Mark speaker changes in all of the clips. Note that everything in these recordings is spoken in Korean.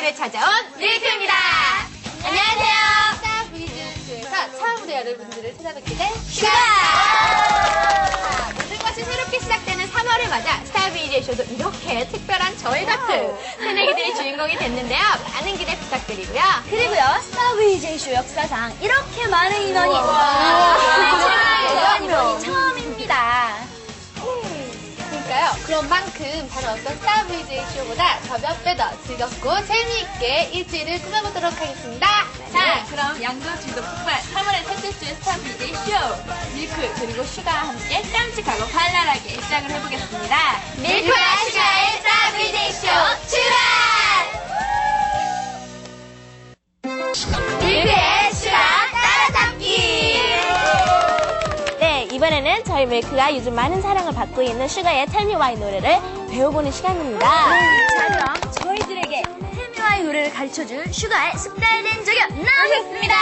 Speaker 1: 와이노를 찾아온 밀크입니다. 안녕하세요. 스타 브이즈쇼에서 처음으로 여러분들을 찾아뵙게 된 슈가! 모든 것이 새롭게 시작되는 3월을 맞아 스타 브이즈쇼도 이렇게 특별한 저희 같은 새내기들이 주인공이 됐는데요. 많은 기대 부탁드리고요.
Speaker 2: 그리고요, 스타 브이즈쇼 역사상 이렇게 많은 인원이 처음입니다.
Speaker 1: 그러니까요. 그런 만큼 다른 어떤 스타 브이즈쇼보다 더 몇 배 더 즐겁고 재미있게 일주일을 꾸며보도록 하겠습니다.
Speaker 3: 자, 그럼 양도질도 폭발 3월의 셋째 주의 스타 브이즈쇼 밀크 그리고 슈가와 함께 깜찍하고 발랄하게 시작을 해보겠습니다.
Speaker 1: 밀크와 슈가의 스타 브이즈쇼 출발! 밀크의 슈가 따라잡기!
Speaker 2: 네, 이번에는 저희 밀크가 요즘 많은 사랑을 받고 있는 슈가의 Tell Me Why 노래를 배워보는 시간입니다. 자, 그럼 저희들에게 Tell Me Why 노래를 가르쳐줄 슈가의 숙달된 저격 나오셨습니다.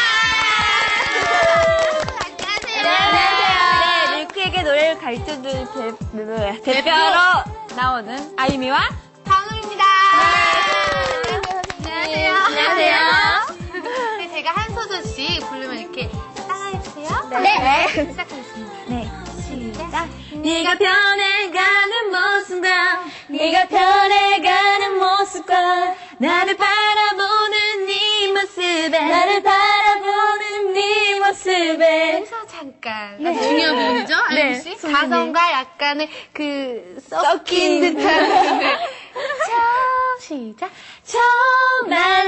Speaker 1: 안녕하세요.
Speaker 2: 네, 밀크에게 노래를 가르쳐줄 대표로 나오는 아유미와
Speaker 1: 방울입니다. 안녕하세요.
Speaker 2: 안녕하세요.
Speaker 1: 네, 제가 한 소절씩 부르면 이렇게 따라해주세요.
Speaker 2: 네.
Speaker 1: 시작하겠습니다.
Speaker 2: 네.
Speaker 1: 시작.
Speaker 2: 네가 변해가는 모습과 네가 변해가는 모습과 나를 바라보는 네 모습에 나를 바라보는 네 모습에
Speaker 1: 여기서 잠깐 아주 중요한 부분이죠, 아유미 씨?
Speaker 2: 선생님.
Speaker 1: 가성과 약간의 섞인 듯한 시작.
Speaker 2: 정말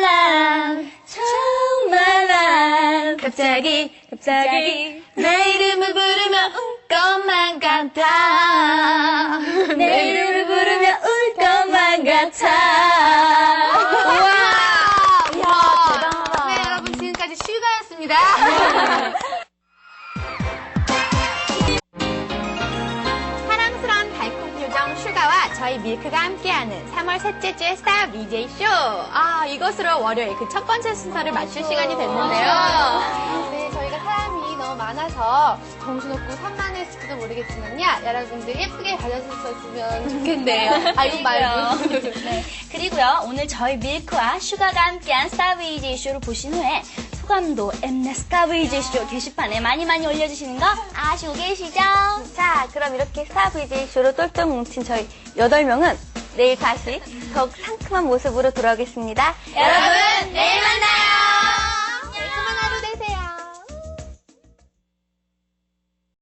Speaker 2: 난 갑자기 내 이름을 부르면 울 것만 같아 내 이름을 부르면 울 것만 같아
Speaker 1: 우와,
Speaker 2: 대단하다.
Speaker 1: 네, 여러분 지금까지 슈가였습니다. 사랑스러운 달콤 표정 슈가와 저희 밀크가 함께하는 3월 셋째 주의 스타 VJ 쇼. 아, 이것으로 월요일 그 첫 번째 순서를 맞출 시간이 됐는데요. 네, 저희가 사람이 너무 많아서 정신없고 산만했을지도 모르겠지만요. 여러분들 예쁘게 봐주셨으면 좋겠네요. 아, 이거 말고.
Speaker 2: 네. 그리고요, 오늘 저희 밀크와 슈가가 함께한 스타 VJ 쇼를 보신 후에 소감도 엠넷 스타 VJ 쇼 게시판에 많이 올려주시는 거 아시고 계시죠? 자, 그럼 이렇게 스타 VJ 쇼로 똘똘 뭉친 저희 8명은 내일 다시 더욱 상큼한 모습으로 돌아오겠습니다.
Speaker 1: 여러분, 내일 만나요!